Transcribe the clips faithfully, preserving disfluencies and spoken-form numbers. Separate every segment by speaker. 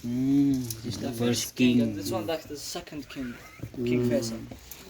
Speaker 1: Mm, this is the first king.
Speaker 2: And this one like the second king, King Faisal.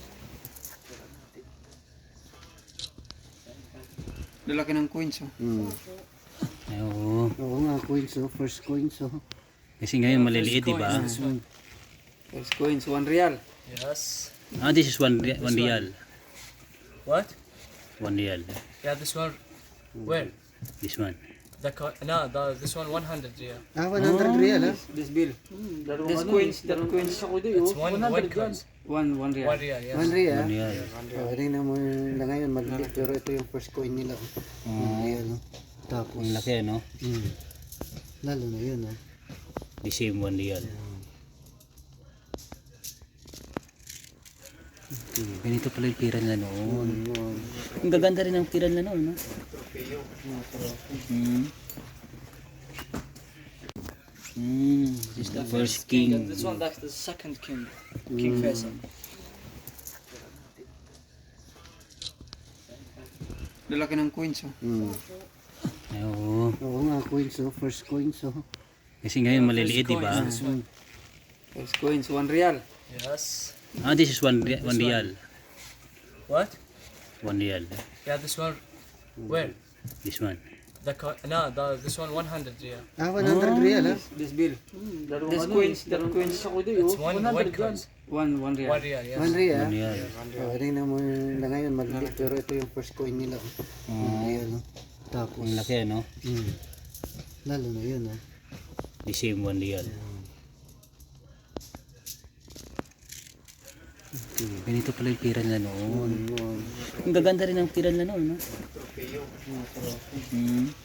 Speaker 3: Lalaki ng coins, oh.
Speaker 4: Mm.
Speaker 1: Ay, oo.
Speaker 4: Oo nga, coins oh. First coins oh.
Speaker 1: Kasi ngayon maliliit, di ba?
Speaker 2: This one.
Speaker 3: First coins, one real.
Speaker 2: Yes.
Speaker 1: Ah, this is one, ri- one real.
Speaker 2: What?
Speaker 1: One real.
Speaker 2: Yeah, this one. Where?
Speaker 1: This one.
Speaker 2: The co- no, the this one one hundred yeah.
Speaker 4: Ah, one hundred real ah.
Speaker 3: This bill. This coins, that coins.
Speaker 2: It's one one coin.
Speaker 3: One, one real.
Speaker 2: One real, yeah.
Speaker 4: One real ah.
Speaker 1: One real.
Speaker 4: Oh, tingnan mo na ngayon, maliliit. Pero ito yung first coin nila. Oh. One real oh. Tapos,
Speaker 1: Ang laki, no?
Speaker 4: mm, lalo na yun ah.
Speaker 1: The same one real. Ganito pala yung pira nila noon.
Speaker 4: Mm.
Speaker 1: Ang gaganda rin ang pira nila noon, no? Mm. Mm, this is the first king.
Speaker 2: And this one like the second king, King Faisal.
Speaker 3: Lalaki ng coins, oh.
Speaker 4: Mm.
Speaker 1: Ay, oo.
Speaker 4: Oo nga, coins oh. First coins oh.
Speaker 1: Kasi ngayon maliliit, di ba?
Speaker 2: This one.
Speaker 3: First coins, one real.
Speaker 2: Yes.
Speaker 1: Ah, this is one, ri- one real.
Speaker 2: What?
Speaker 1: One real.
Speaker 2: Yeah, this one. Where?
Speaker 1: This one.
Speaker 2: The co- no, the this one one hundred yeah.
Speaker 4: Ah, one hundred real ah.
Speaker 3: This bill. This coins, that coins.
Speaker 2: It's one one coin.
Speaker 3: One, one real.
Speaker 2: One real, yeah.
Speaker 4: One real ah.
Speaker 1: One real.
Speaker 4: Oh, tingnan mo na ngayon, maliliit. Pero ito yung first coin nila. Oh. One real oh. Tapos,
Speaker 1: Ang laki, no?
Speaker 4: mm, lalo na yun ah.
Speaker 1: The same one real. Ganito pala yung pira nila noon.
Speaker 4: Mm.
Speaker 1: Ang gaganda rin ang pira nila noon, no? Mm.